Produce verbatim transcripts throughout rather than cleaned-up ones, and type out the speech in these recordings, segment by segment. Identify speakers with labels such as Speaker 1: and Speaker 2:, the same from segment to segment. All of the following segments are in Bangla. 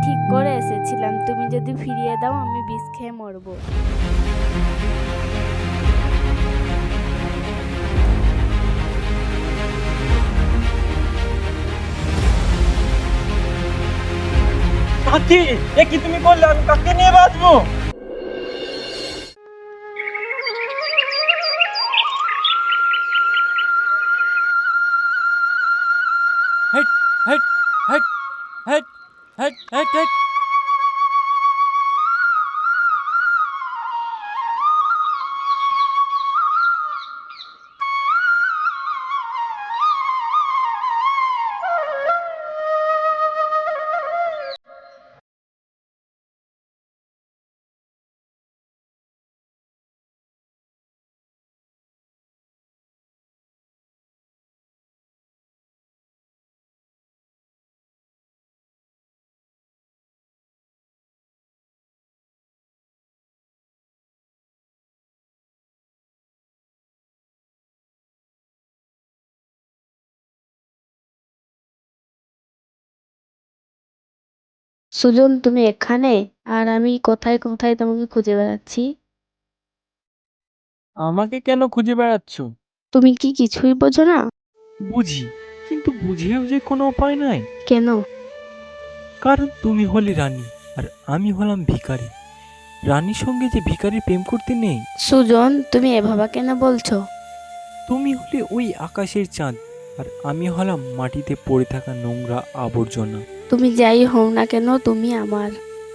Speaker 1: ঠিক করে এসেছিলাম, তুমি যদি ফিরিয়ে দাও আমি বিষ খেয়ে মরবো।
Speaker 2: সাথী, এ কি তুমি করলে? আমি কাকে নিয়ে বাঁচবো? হেট হেট হেট হেট হেট হেট হেট।
Speaker 1: সুজন, তুমি এখানে? আর আমি কোথায় কোথায় তোমাকে খুঁজে বেড়াচ্ছি।
Speaker 2: আমাকে কেন খুঁজে বেড়াচ্ছ?
Speaker 1: তুমি কি কিছুই বোঝো না?
Speaker 2: বুঝি, কিন্তু বুঝিয়েও যে কোনো উপায় নাই।
Speaker 1: কেন?
Speaker 2: কারণ তুমি হলে রানী আর আমি হলাম ভিখারি। রানীর সঙ্গে যে ভিখারি প্রেম করতে নেই।
Speaker 1: সুজন, তুমি এভাবে কেন বলছো?
Speaker 2: তুমি হলে ওই আকাশের চাঁদ আর আমি হলাম মাটিতে পড়ে থাকা নোংরা আবর্জনা।
Speaker 1: তুমি যাই হও না কেন, তুমি আমার।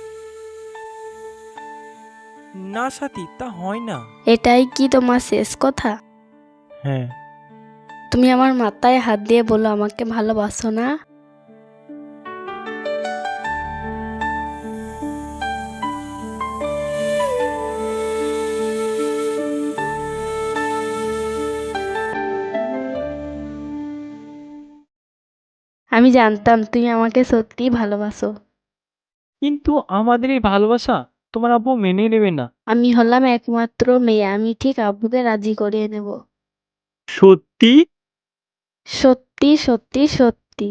Speaker 2: না সাথী, তা হয় না।
Speaker 1: এটাই কি তোমার শেষ কথা?
Speaker 2: হ্যাঁ।
Speaker 1: তুমি আমার মাথায় হাত দিয়ে বলো আমাকে ভালোবাসো না? আমি জানতাম তুমি আমাকে সত্যিই ভালোবাসো।
Speaker 2: কিন্তু আমাদের এই ভালোবাসা তোমার আব্বু মেনে নেবে না।
Speaker 1: আমি হলাম একমাত্র মেয়ে, আমি ঠিক আব্বুকে রাজি করিয়ে নেব।
Speaker 2: সত্যি?
Speaker 1: সত্যি সত্যি সত্যি।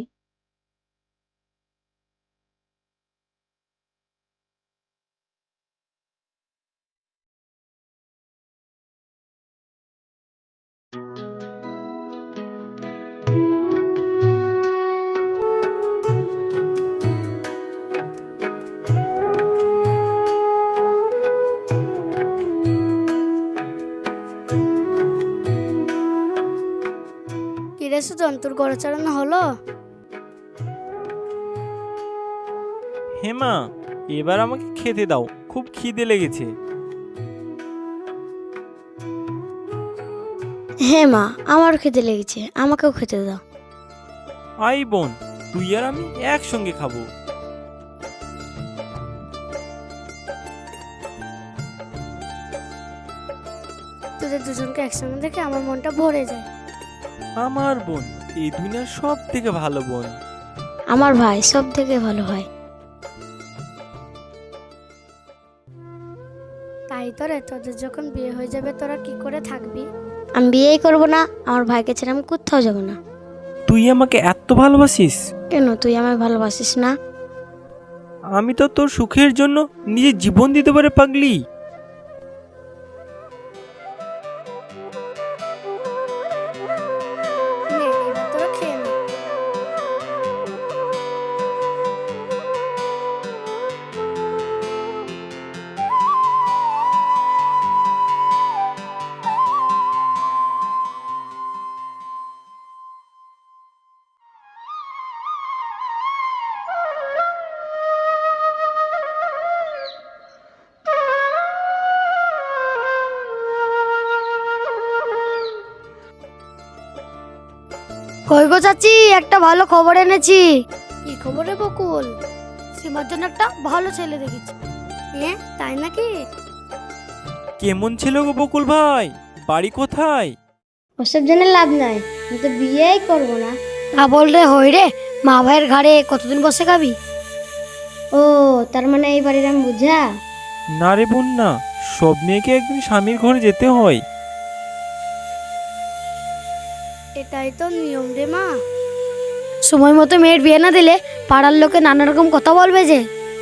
Speaker 1: কিরে সুজন, তোর গড়ে চালানো হলো?
Speaker 2: হেমা, এবার আমাকে খেতে দাও, খুব খিদে লেগেছে।
Speaker 3: হ্যাঁ মা, আমারও খেতে লেগেছে, আমাকেও খেতে দাও।
Speaker 2: আই বোন, তুই আর আমি একসঙ্গে খাবো।
Speaker 3: তোদের দুজনকে একসঙ্গে দেখে আমার মনটা ভরে যায়।
Speaker 2: আমার বোন এই দুনিয়ার সব থেকে ভালো বোন।
Speaker 3: আমার ভাই সব থেকে ভালো হয়।
Speaker 1: তাই তো রে, তোদের যখন বিয়ে হয়ে যাবে তোরা কি করে থাকবি?
Speaker 3: আমি বিয়েই করব না, আমার ভাইকে ছেড়ে আমি কোথাও যাব না।
Speaker 2: তুই আমাকে এত ভালোবাসিস?
Speaker 3: কেন, তুই আমায় ভালোবাসিস না?
Speaker 2: আমি তো তোর সুখের জন্য নিজের জীবন দিতে পারে পাগলি।
Speaker 1: নে, এবার তোরা খেয়ে নে।
Speaker 3: কই গো চাচি, একটা ভালো খবর এনেছি।
Speaker 1: কি খবরে বকুল?
Speaker 3: সীমার জন্য একটা ভালো ছেলে দেখেছি।
Speaker 1: হ্যাঁ, তাই নাকি?
Speaker 2: কেমন ছিল গো বকুল ভাই? বাড়ি কোথায়?
Speaker 3: ওসব জেনে লাভ নাই, আমি তো বিয়েই করব না। তা বল রে হই রে, মা ভাইয়ের ঘাড়ে কতদিন বসে খাবি? ও, তার মানে এই বাড়ির আমি বুঝা?
Speaker 2: না রে বোন না, সব মেয়েকে একদিন স্বামীর ঘরে যেতে হয়।
Speaker 1: এটাই তো নিয়ম রে মা।
Speaker 3: সময় মতো মেয়ের বিয়ে না দিলে পাড়ার লোকে নানা রকম কথা বলবে যে।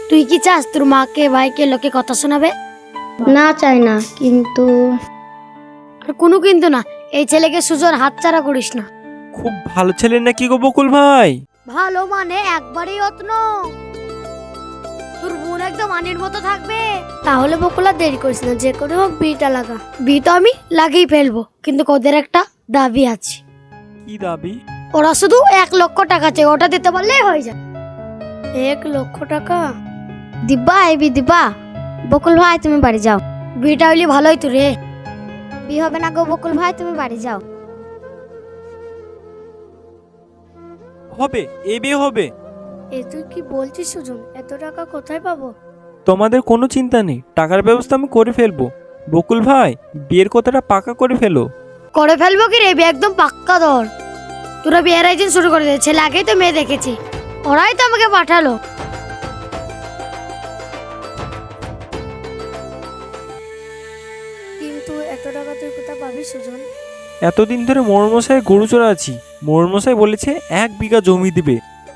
Speaker 3: তুই কি চাস তোর মাকে ভাইকে লোকে কথা শোনাবে?
Speaker 1: না চাই না, কিন্তু
Speaker 3: আর কোনো কিন্তু না, এই ছেলেকে সুজন হাতছাড়া করিস না।
Speaker 2: খুব ভালো ছেলে নাকি গো বকুল ভাই?
Speaker 3: ভালো মানে একবারই অত্ন, তোর বোন একদম আনির মতো থাকবে। তাহলে বকুল আর দেরি করিস না, যে করে হোক বিয়েটা লাগা। বিয়ে তো আমি লাগিয়ে ফেলবো, কিন্তু ওদের একটা দাবি আছে।
Speaker 2: কি দাবি?
Speaker 3: ওরা শুধু এক লক্ষ টাকা চাই, ওটা দিতে পারলেই হয়ে যায়। এক লক্ষ টাকা?
Speaker 1: দিব্যা আইবি দিব্যা। বকুল ভাই তুমি বাড়ি যাও।
Speaker 3: বিয়েটা হইলে ভালোই তো রে।
Speaker 1: বিয়ে হবে না গো বকুল ভাই, তুমি বাড়ি যাও।
Speaker 2: হবে, এ বিয়ে হবে।
Speaker 3: এ তুই কি বলছিস সুজন? এত টাকা কোথায় পাবো?
Speaker 2: তোমাদের কোনো চিন্তা নেই, টাকার ব্যবস্থা আমি করে ফেলবো। বকুল ভাই, বিয়ের কথাটা পাকা করে ফেলো।
Speaker 3: করে ফেলবো কি রে, বিয়ে একদম পাক্কা ধর। তোরা বিয়ের আয়োজন শুরু করে দে, ছেলে আগেই তো মেয়ে দেখেছি, ওরাই তো আমাকে পাঠালো। কিন্তু এত টাকা তুই কোথা পাবি সুজন?
Speaker 2: এতদিন ধরে মোড়মশাই গরু চড়াচ্ছি, মোড়মশাই বলেছে এক বিঘা জমি দিবে।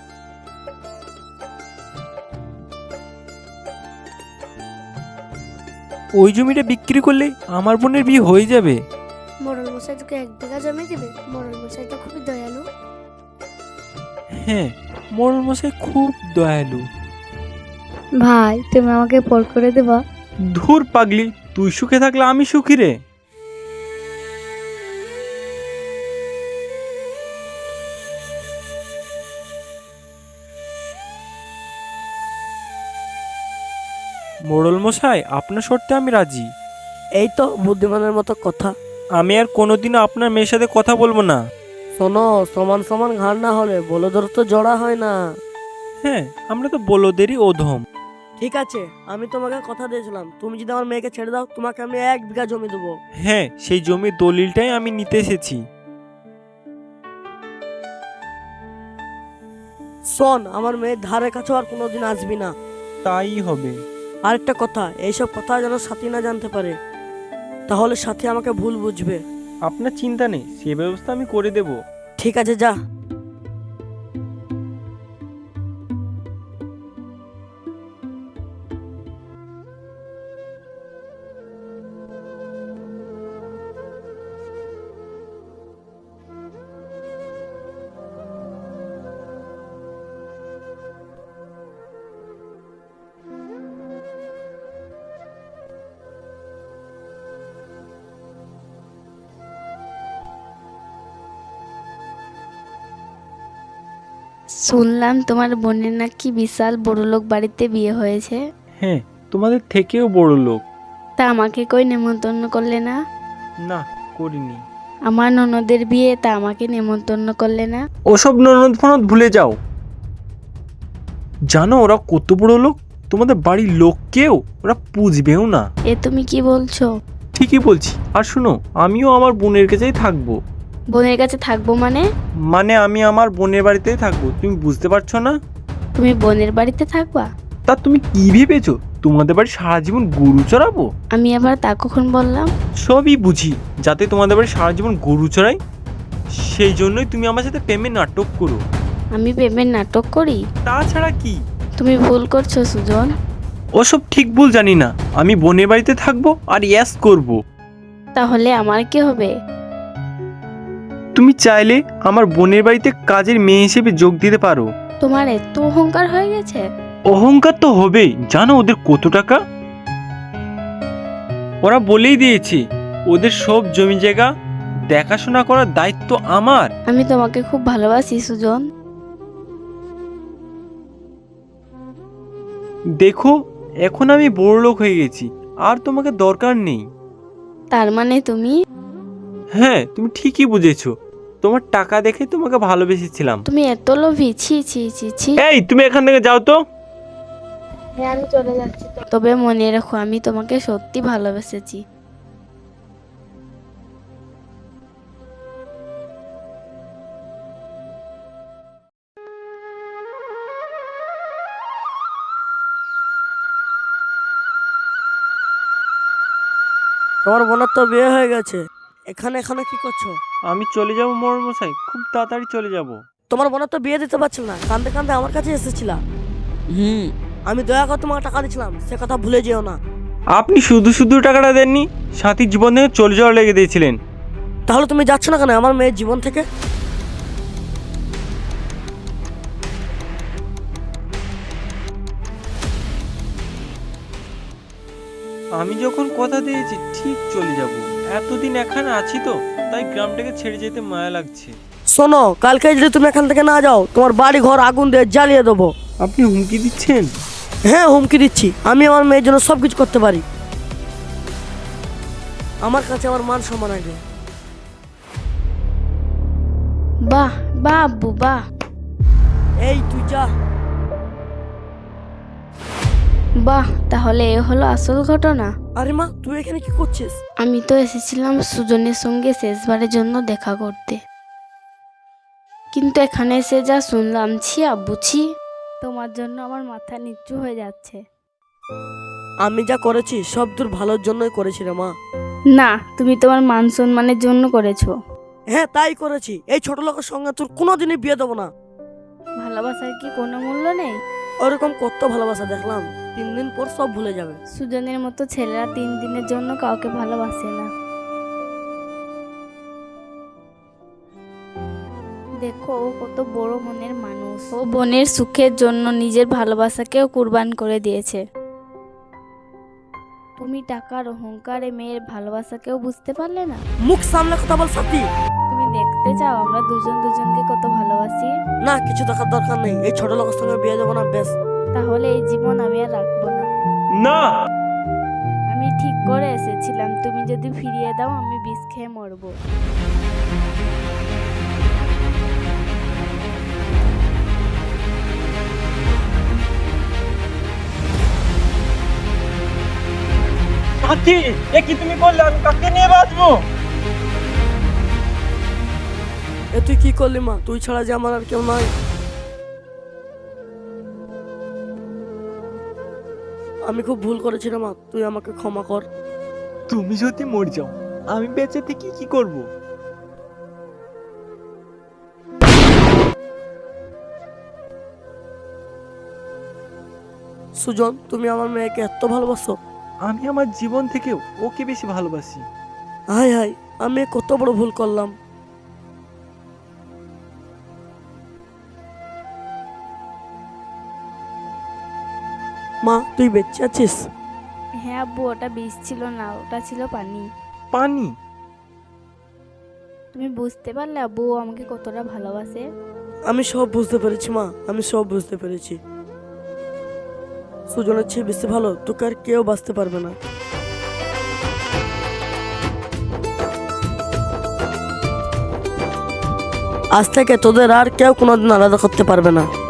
Speaker 2: ওই জমিটা বিক্রি করলে আমার বোনের বিয়ে হয়ে যাবে।
Speaker 3: মোড়ল মশাই তোকে এক বিঘা জমি দিবে? মোড়ল মশাই তো খুবই দয়ালু।
Speaker 2: হ্যাঁ, মোড়মশাই খুব দয়ালু।
Speaker 1: ভাই তুমি আমাকে পর করে দেবা?
Speaker 2: ধুর পাগলি, তুই সুখে থাকলে আমি সুখী রে। মোড়ল মশাই, আপনার শর্তে আমি রাজি।
Speaker 4: এই তো বুদ্ধিমানের মতো কথা।
Speaker 2: আমি আর কোনোদিনও আপনার মেয়ের সাথে কথা বলবো না।
Speaker 4: শোনো, সমান সমান ঘাড় না হলে বলদর তো জড়া হয় না।
Speaker 2: হ্যাঁ, আমরা তো বলদেরই অধম।
Speaker 4: ঠিক আছে, আমি তোমাকে কথা দিয়েছিলাম, তুমি যদি আমার মেয়েকে ছেড়ে দাও তোমাকে আমি এক বিঘা জমি দেবো।
Speaker 2: হ্যাঁ, সেই জমির দলিলটাই আমি নিতে এসেছি।
Speaker 4: শোন, আমার মেয়ের ধারে কাছে আর কোনোদিন আসবি না।
Speaker 2: তাই হবে।
Speaker 4: আরেকটা কথা, এইসব কথা যেন সাথী না জানতে পারে, তাহলে সাথী আমাকে ভুল বুঝবে।
Speaker 2: আপনার চিন্তা নেই, সে ব্যবস্থা আমি করে দেব।
Speaker 4: ঠিক আছে, যা।
Speaker 1: শুনলাম তোমার বোনের নাকি বিশাল বড়লোক বাড়িতে বিয়ে হয়েছে।
Speaker 2: হ্যাঁ, তোমাদের থেকেও বড় লোক।
Speaker 1: তা আমাকে কই নেমন্তন্ন করলে না?
Speaker 2: না, করিনি।
Speaker 1: আমার ননদের বিয়ে, তা আমাকে নেমন্তন্ন করলে না?
Speaker 2: ওসব ননদ ফনদ ভুলে যাও। জানো ওরা কত বড় লোক? তোমাদের বাড়ির লোককেও ওরা পুষবেও না।
Speaker 1: এ তুমি কি বলছো?
Speaker 2: ঠিকই বলছি। আর শুনো, আমিও আমার বোনের কাছেই থাকবো।
Speaker 1: বোনের কাছে থাকবো মানে?
Speaker 2: মানে আমি আমার বোনের বাড়িতেই থাকবো, তুমি বুঝতে পারছো না?
Speaker 1: তুমি বোনের বাড়িতে থাকবা?
Speaker 2: তা তুমি কি ভেবেছো তোমাদের বাড়ি সারা জীবন গরু চড়াবো?
Speaker 1: আমি আবার তা কখন বললাম?
Speaker 2: সবই বুঝি, যাতে তোমাদের বাড়ি সারা জীবন গরু চড়াই, সেই জন্যই তুমি আমার সাথে প্রেমে নাটক করো।
Speaker 1: আমি প্রেমের নাটক করি?
Speaker 2: তাছাড়া কি?
Speaker 1: তুমি ভুল করছো সুজন।
Speaker 2: ওসব ঠিক ভুল জানি না, আমি বোনের বাড়িতে থাকবো আর ইয়াস করব।
Speaker 1: তাহলে আমার কি হবে?
Speaker 2: তুমি চাইলে আমার বোনের বাড়িতে কাজের মেয়ে হিসেবে যোগ দিতে পারো।
Speaker 1: তোমার এত অহংকার হয়ে গেছে?
Speaker 2: অহংকার তো হবেই, জানো ওদের কত টাকা? ওরা বলেই দিয়েছে ওদের সব জমি জায়গা দেখাশোনা করার দায়িত্ব আমার।
Speaker 1: আমি তোমাকে খুব ভালোবাসি সুজন।
Speaker 2: দেখো, এখন আমি বড় লোক হয়ে গেছি, আর তোমাকে দরকার নেই।
Speaker 1: তার মানে তুমি?
Speaker 2: হ্যাঁ, তুমি ঠিকই বুঝেছো। তোমার টাকা দেখে তোমাকে ভালোবেসেছিলাম।
Speaker 1: তুমি এত লোভী! ছি ছি ছি ছি।
Speaker 2: এই, তুমি এখান থেকে যাও তো।
Speaker 1: হ্যাঁ, আমি চলে যাচ্ছি। তবে মনে রেখো, আমি তোমাকে সত্যি ভালোবেসেছি।
Speaker 4: তোমার বোনের তো বিয়ে হয়ে গেছে, এখানে এখানে কি করছো?
Speaker 2: আমি চলে যাবো মশাই, খুব তাড়াতাড়ি চলে যাব।
Speaker 4: তোমার বোনের তো বিয়ে দিতে পারছিল না, কান্দে কান্দে আমার কাছে এসেছিলা।
Speaker 5: হুম,
Speaker 4: আমি দয়া করে তোমাকে টাকা দিয়েছিলাম, সে কথা ভুলে যেও না।
Speaker 2: আপনি শুধু শুধু টাকাটা দেননি, সাথীর জীবন থেকে চলে যাওয়ার লেগে দিয়েছিলেন।
Speaker 4: তাহলে তুমি যাচ্ছ না কেন আমার মেয়ের জীবন থেকে?
Speaker 2: আমি যখন কথা দিয়েছি ঠিক চলে যাব, এতদিন এখানে আছি তো তাই গ্রামটাকে ছেড়ে যেতে মায়া লাগছে।
Speaker 4: শোনো, কালকে যদি তুমি এখান থেকে না যাও তোমার বাড়ি ঘর আগুন দিয়ে জ্বালিয়ে দেবো।
Speaker 2: আপনি হুমকি দিচ্ছেন?
Speaker 4: হ্যাঁ, হুমকি দিচ্ছি। আমি আমার মেয়ের জন্য সব কিছু করতে পারি। আমার কাছে আমার মান সম্মান আছে।
Speaker 1: বাহ বাহ আব্বু বাহ।
Speaker 4: এই তুই যা।
Speaker 1: বাহ, তাহলে এ হলো আসল ঘটনা।
Speaker 4: আরে মা, তুই এখানে কি করছিস?
Speaker 1: আমি তো এসেছিলাম সুজনের সঙ্গে শেষবারের জন্য দেখা করতে, কিন্তু এখানে এসে যা শুনলাম, ছি আব্বু ছি, তোমার জন্য আমার মাথা নিচু হয়ে যাচ্ছে।
Speaker 4: আমি যা করেছি সব তোর ভালোর জন্যই করেছি রে মা।
Speaker 1: না, তুমি তোমার মান সম্মানের জন্য করেছো।
Speaker 4: হ্যাঁ, তাই করেছি। এই ছোট লোকের সঙ্গে তোর কোনোদিনই বিয়ে দেবো না।
Speaker 1: ভালোবাসার কি কোনো মূল্য নেই?
Speaker 4: ওরকম কত ভালোবাসা দেখলাম, তিন দিন পর সব ভুলে যাবে।
Speaker 1: সুজনের মতো ছেলেরা তিন দিনের জন্য কাউকে ভালোবাসে না। দেখো, ও কত বড় মনের মানুষ। ও বোনের সুখের জন্য নিজের ভালোবাসাকেও কুরবান করে দিয়েছে। তুমি টাকার অহংকারে মেয়ের ভালোবাসাকেও বুঝতে পারলে না।
Speaker 4: মুখ সামনে কথা বল সাথী।
Speaker 1: তুমি দেখতে চাও আমরা দুজন দুজনকে কত ভালোবাসি?
Speaker 4: না, কিছু দেখার দরকার নেই। এই ছোট লোকের সঙ্গে বিয়ে দেবো না, বেশ।
Speaker 1: তাহলে এই জীবন আমি আর রাখবো না।
Speaker 2: না,
Speaker 1: আমি ঠিক করে এসেছিলাম, তুমি যদি ফিরিয়ে দাও আমি বিষ খেয়ে মরবো।
Speaker 2: সাথী, এ কি তুমি বললে? আমি কাকে নিয়ে বাঁচবো?
Speaker 4: এ তুই কি করলি মা? তুই ছাড়া যে আমার আর কেউ নাই। আমি খুব ভুল করেছি রে মা, তুই আমাকে ক্ষমা কর।
Speaker 2: তুমি যদি মরে যাও আমি বেঁচে থেকে কি করব?
Speaker 4: সুজন, তুমি আমার মেয়েকে এত ভালোবাসো?
Speaker 2: আমি আমার জীবন থেকেও ওকে বেশি ভালোবাসি।
Speaker 4: হাই হাই, আমি কত বড় ভুল করলাম। মা, তুই বেঁচে আছিস?
Speaker 1: হ্যাঁ আব্বু, ওটা বিষ ছিল না, ওটা ছিল পানি।
Speaker 2: পানি?
Speaker 1: তুমি বুঝতে পারলে আব্বু ও আমাকে কতটা ভালোবাসে?
Speaker 4: আমি সব বুঝতে পেরেছি মা, আমি সব বুঝতে পেরেছি। সুজনের চেয়ে বেশি ভালো তোকে আর কেউ বাঁচতে পারবে না। আজ থেকে তোদের আর কেউ কোনোদিন আলাদা করতে পারবে না।